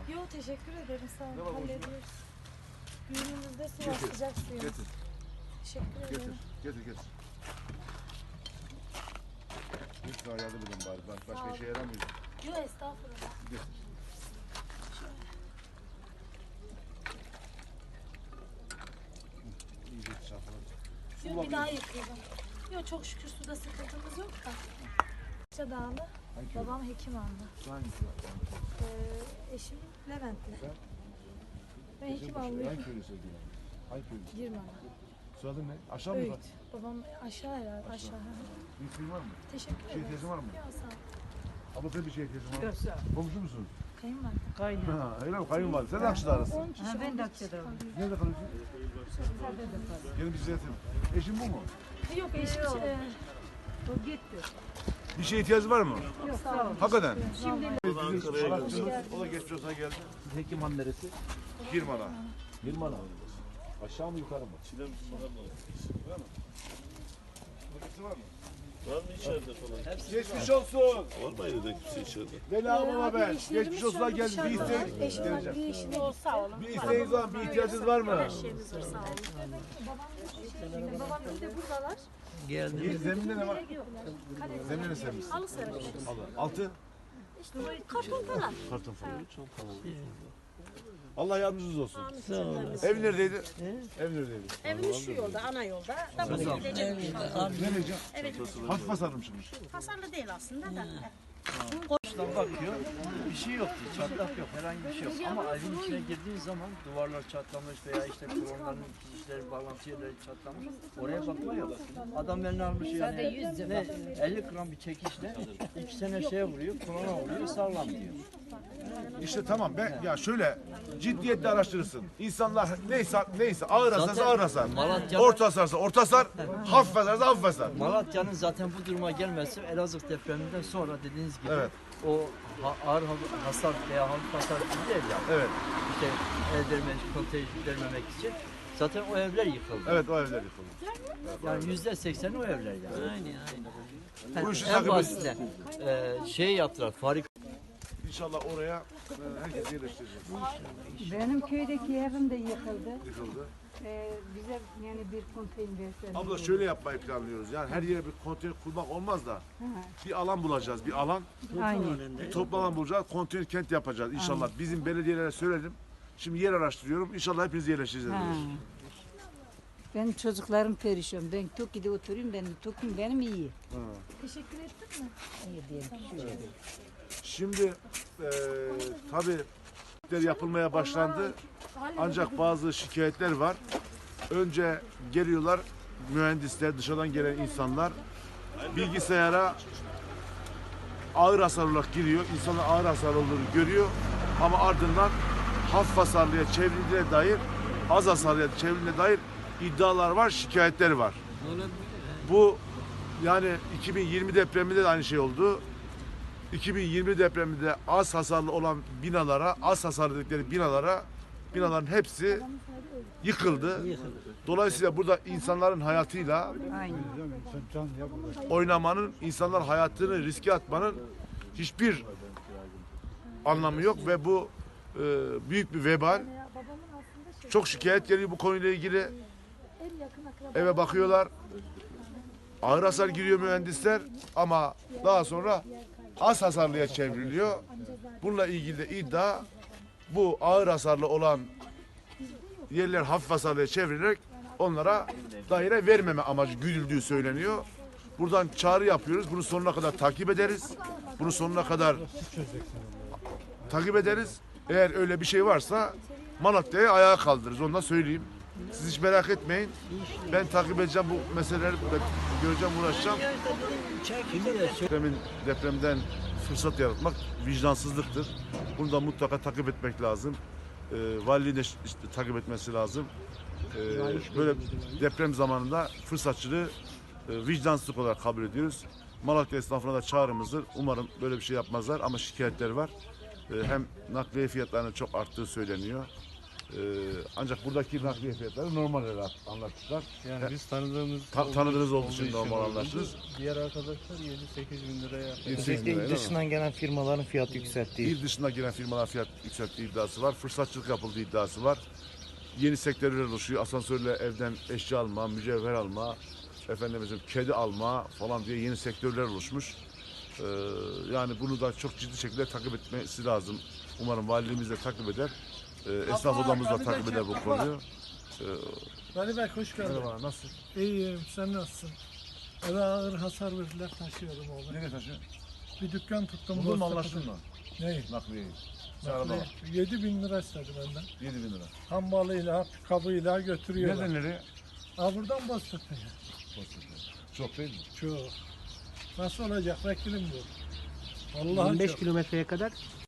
Yok teşekkür ederim sağ Ne var olun. borcum? Hallediyoruz. Düğünümüzde su var Getir, sıcak suyun. Getir, Teşekkür getir, ederim. getir. Lütfen yardım edin bari. Sağ Başka ol. işe yaramıyor. Yok estağfurullah. Getir. İyice çarpalım. Yok bir daha yıkayalım. Yok çok şükür suda sıkıntımız yok da. Dağlı. Hangi köy? Babam Hekiman'da. Hangisi? Eşim Leventli. Sen? Ben Hekimanlıyım. Hangi köyü söylüyorsun? Hangi köyü? Girmem. Soyadın ne? Aşağı mı Öğüt. yukarı? Babam aşağı herhalde aşağı. Bir isteğin var mı? Teşekkür Bir şey ederim. ihtiyacın var mı? Yok sağ ol. Abla senin bir şey ihtiyacın var mı? Yok sağ ol. Komşu musun? Kayınvalide. Kaynıyor. Ha, öyle mi? Kayınvalide. Sen de Akçı'da arasın. 10 kişi. Ha, ben de 11 kişi Akça'da kalıyor. Nerede kalıyorsun? Gelin bir ziyaretim. Eşin bu mu? Yok eşim. O gitti. Bir şeye ihtiyacı var mı? Yok sağ ol. Hakikaten. Şimdi O da geçmiş olsa geldi. Hekiman neresi? Girmana. Yılmala. Aşağı mı yukarı mı? Burası var mı? Var mı içeride falan? Geçmiş olsun. Var mı evde kimse içeride? Vela baba abi ben. işlerimiz Geçmiş şu olsun anda geldi. Bir dışarıda var. isteğiniz Eşim var, bir işiniz Sağ olun. Bir isteğiniz var mı? Bir ihtiyacınız var mı? Babam bir de buradalar. Zeminde ne var? Zeminde ne servis? Halı servis. Altı? İşte karton falan. Karton falan. Allah yardımcınız olsun. Ev neredeydi? Ev neredeydi? Evimiz şu yolda, ana yolda. Da buraya gidecek. Nereye? Evet, Hafif hasarmışsınız. hasarlı değil aslında da. Dıştan bakıyor, bir şey yok diyor, çatlak yok, herhangi bir şey yok. Ama evin içine girdiğin zaman duvarlar çatlamış veya işte kolonların kişileri, bağlantı yerleri çatlamış. Oraya bakma yok. Adam eline almış yani ne 50 gram bir çekişle 2 sene şeye vuruyor, kolona vuruyor, sağlam diyor. İşte tamam ben ya şöyle ciddiyetle araştırırsın. İnsanlar neyse ağır hasarsa ağır hasar. Malatya- Orta hasarsa orta hasar, hafif hasarsa hafif hasar. Malatya'nın zaten bu duruma gelmesi Elazığ depreminden sonra dediğiniz gibi Evet. o ağır hasar veya hafif hasar gibi değil yani. Evet. İşte el vermek, konteyn vermemek için zaten o evler yıkıldı. Evet o evler yıkıldı. Yani %80 o evler yani. Bu işi En takip edin. basitinden şey yaptılar, fabrika İnşallah oraya herkes yerleştirecek. Benim köydeki evim de yıkıldı. Yıkıldı. Bize yani bir konteyner verseniz. Abla şöyle yapmayı planlıyoruz. Yani her yere bir konteyner kurmak olmaz da bir alan bulacağız. Bir alan, Aynen. bir toplu alan bulacağız. Konteyner kent yapacağız inşallah. Bizim belediyelere söyledim. Şimdi yer araştırıyorum. İnşallah hepiniz yerleşeceğiz. Ha. Benim çocuklarım perişan. Ben Toki'de oturuyorum. Toki'm benim iyi. Teşekkür ettin mi? İyi diyelim. Şöyle. Şimdi tabii yapılmaya başlandı. Ancak bazı şikayetler var. Önce geliyorlar mühendisler, dışarıdan gelen insanlar bilgisayara ağır hasar olarak giriyor. İnsanlar ağır hasar olduğunu görüyor. Ama ardından hafif hasarlıya çevrildiğine dair, az hasarlıya çevrildiğine dair iddialar var, şikayetler var. Bu yani 2020 depreminde de aynı şey oldu. 2020 depreminde az hasarlı olan binalara, az hasarlı dedikleri binaların hepsi yıkıldı. Dolayısıyla burada insanların hayatıyla Aynen. oynamanın, insanlar hayatını riske atmanın hiçbir anlamı yok ve bu büyük bir vebal. Çok şikayet geliyor bu konuyla ilgili. En yakın akraba. Eve bakıyorlar. Ağır hasar giriyor mühendisler ama daha sonra az hasarlıya çevriliyor. Bununla ilgili de iddia bu ağır hasarlı olan yerler hafif hasarlıya çevrilerek onlara daire vermeme amacı güdüldüğü söyleniyor. Buradan çağrı yapıyoruz. Bunu sonuna kadar takip ederiz. Bunu sonuna kadar takip ederiz. Eğer öyle bir şey varsa Malatya'yı ayağa kaldırırız. Onu da söyleyeyim. Siz hiç merak etmeyin. Ben takip edeceğim bu meseleleri, göreceğim, uğraşacağım. Depremden fırsat yaratmak vicdansızlıktır. Bunu da mutlaka takip etmek lazım. Valiliğin de takip etmesi lazım. Böyle deprem zamanında fırsatçılığı vicdansızlık olarak kabul ediyoruz. Malatya esnafına da çağrımızdır. Umarım böyle bir şey yapmazlar ama şikayetler var. Hem nakliye fiyatlarının çok arttığı söyleniyor. Ancak buradaki nakliye fiyatları normal olarak anlattılar. Yani biz tanıdığımız Tanıdığınız olduğu için normal oldu. anlaştınız. Diğer arkadaşlar 7-8 bin liraya. 7-8 bin Özellikle liraya, il değil mi? dışından gelen firmaların fiyat yükselttiği. İl dışına giren firmalar fiyat yükselttiği iddiası var. Fırsatçılık yapıldığı iddiası var. Yeni sektörler oluşuyor. Asansörle evden eşya alma, mücevher alma, efendim kedi alma falan diye yeni sektörler oluşmuş. Yani bunu da çok ciddi şekilde takip etmesi lazım. Umarım valiliğimiz de takip eder. Esnaf odamız da takip eder bu konuyu. Ali Bey hoş geldin. Merhaba, nasılsın? İyiyim, sen nasılsın? Eve ağır hasar verdiler, taşıyorum oğlum. Nereye taşıyor? Bir dükkan tuttum. Buldun mu, Boztepe'de. anlaştın mı? Neyi? Nakliyeyi. Araba var. 7.000 lira istedi benden. 7 bin lira. Hambalıyla, kabıyla götürüyorlar. Nereden nereye? Ha buradan Boztepe'ye. Çok değil mi? Çok. Nasıl olacak vekilim bu? Vallahi 25 çok. kilometreye kadar